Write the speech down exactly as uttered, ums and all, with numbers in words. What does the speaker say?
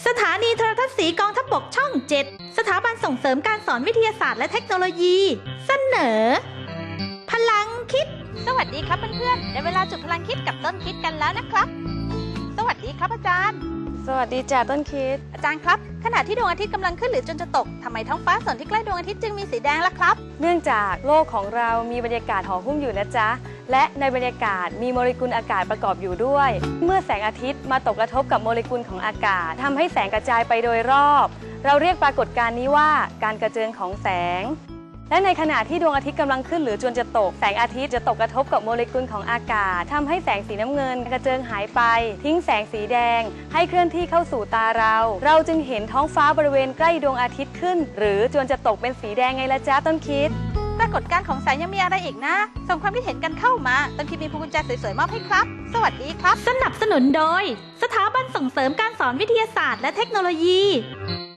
สถานีโทรทัศน์สีกองทัพบกช่องเจ็ดสถาบันส่งเสริมการสอนวิทยาศาสตร์และเทคโนโลยี เสนอ พลังคิดสวัสดีครับเพื่อนๆได้เวลาจุดพลังคิดกับต้นคิดกันแล้วนะครับสวัสดีครับอาจารย์สวัสดีจ้าต้นคิดอาจารย์ครับขณะที่ดวงอาทิตย์กำลังขึ้นหรือจนจะตกทำไมท้องฟ้าส่วนที่ใกล้ดวงอาทิตย์จึงมีสีแดงล่ะครับเนื่องจากโลกของเรามีบรรยากาศห่อหุ้มอยู่นะจ๊ะและในบรรยากาศมีโมเลกุลอากาศประกอบอยู่ด้วยเมื่อแสงอาทิตย์มาตกกระทบกับโมเลกุลของอากาศทำให้แสงกระจายไปโดยรอบเราเรียกปรากฏการณ์นี้ว่าการกระเจิงของแสงและในขณะที่ดวงอาทิตย์กำลังขึ้นหรือจวนจะตกแสงอาทิตย์จะตกกระทบกับโมเลกุลของอากาศทำให้แสงสีน้ำเงินกระเจิงหายไปทิ้งแสงสีแดงให้เคลื่อนที่เข้าสู่ตาเราเราจึงเห็นท้องฟ้าบริเวณใกล้ดวงอาทิตย์ขึ้นหรือจวนจะตกเป็นสีแดงไงล่ะจ๊ะต้นคิดปรากฏการณ์ของแสงยังมีอะไรอีกนะส่งความคิดเห็นกันเข้ามาต้นคิดมีพวงกุญแจสวยๆมอบให้ครับสวัสดีครับสนับสนุนโดยสถาบันส่งเสริมการสอนวิทยาศาสตร์และเทคโนโลยี